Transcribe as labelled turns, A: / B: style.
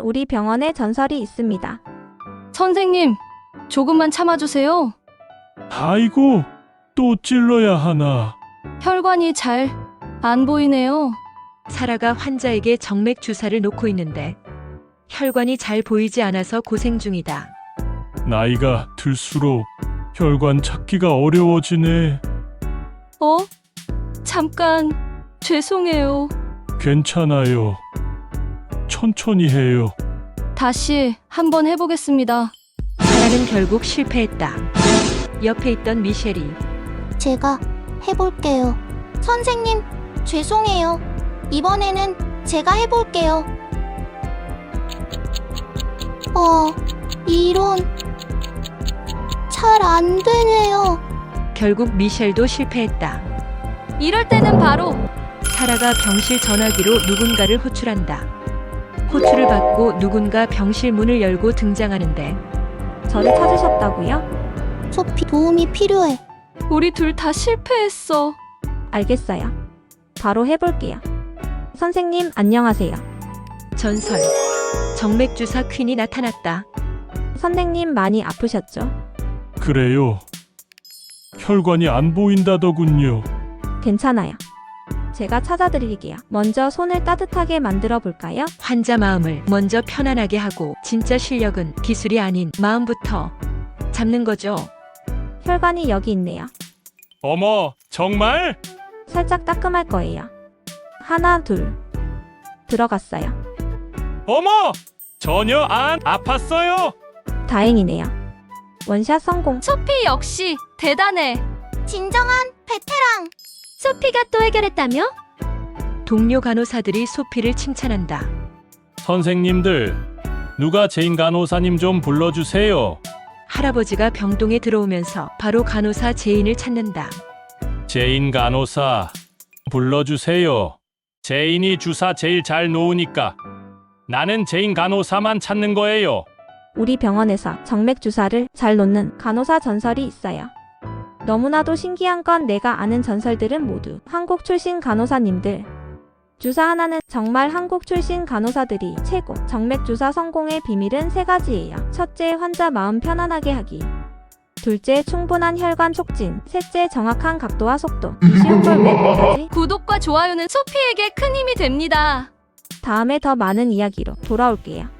A: 우리 병원에 전설이 있습니다.
B: 선생님, 조금만 참아주세요.
C: 아이고, 또 찔러야 하나.
B: 혈관이 잘 안 보이네요.
D: 사라가 환자에게 정맥 주사를 놓고 있는데 혈관이 잘 보이지 않아서 고생 중이다.
C: 나이가 들수록 혈관 찾기가 어려워지네.
B: 잠깐, 죄송해요.
C: 괜찮아요. 천천히 해요.
B: 다시 한번 해보겠습니다.
D: 사라는 결국 실패했다. 옆에 있던 미셸이
E: 제가 해볼게요. 선생님, 죄송해요. 이번에는 제가 해볼게요. 이런. 잘 안 되네요.
D: 결국 미셸도 실패했다.
B: 이럴 때는 바로
D: 사라가 병실 전화기로 누군가를 호출한다. 호출을 받고 누군가 병실 문을 열고 등장하는데
A: 저를 찾으셨다고요?
E: 소피, 도움이 필요해.
B: 우리 둘 다 실패했어.
A: 알겠어요. 바로 해볼게요. 선생님, 안녕하세요.
D: 전설 정맥 주사 퀸이 나타났다.
A: 선생님 많이 아프셨죠?
C: 그래요. 혈관이 안 보인다더군요.
A: 괜찮아요. 제가 찾아드릴게요. 먼저 손을 따뜻하게 만들어 볼까요?
D: 환자 마음을 먼저 편안하게 하고 진짜 실력은 기술이 아닌 마음부터 잡는 거죠.
A: 혈관이 여기 있네요.
C: 어머, 정말?
A: 살짝 따끔할 거예요. 하나, 둘. 들어갔어요.
C: 어머! 전혀 안 아팠어요.
A: 다행이네요. 원샷 성공.
B: 소피 역시 대단해.
E: 진정한 베테랑.
B: 소피가 또 해결했다며?
D: 동료 간호사들이 소피를 칭찬한다.
C: 선생님들, 누가 제인 간호사님 좀 불러주세요.
D: 할아버지가 병동에 들어오면서 바로 간호사 제인을 찾는다.
C: 제인 간호사, 불러주세요. 제인이 주사 제일 잘 놓으니까. 나는 제인 간호사만 찾는 거예요.
A: 우리 병원에서 정맥 주사를 잘 놓는 간호사 전설이 있어요. 너무나도 신기한 건 내가 아는 전설들은 모두 한국 출신 간호사님들. 주사 하나는 정말 한국 출신 간호사들이 최고. 정맥 주사 성공의 비밀은 세 가지예요. 첫째, 환자 마음 편안하게 하기. 둘째, 충분한 혈관 촉진. 셋째, 정확한 각도와 속도. 이 쉬운 걸 왜 못하지?
B: 구독과 좋아요는 소피에게 큰 힘이 됩니다.
A: 다음에 더 많은 이야기로 돌아올게요.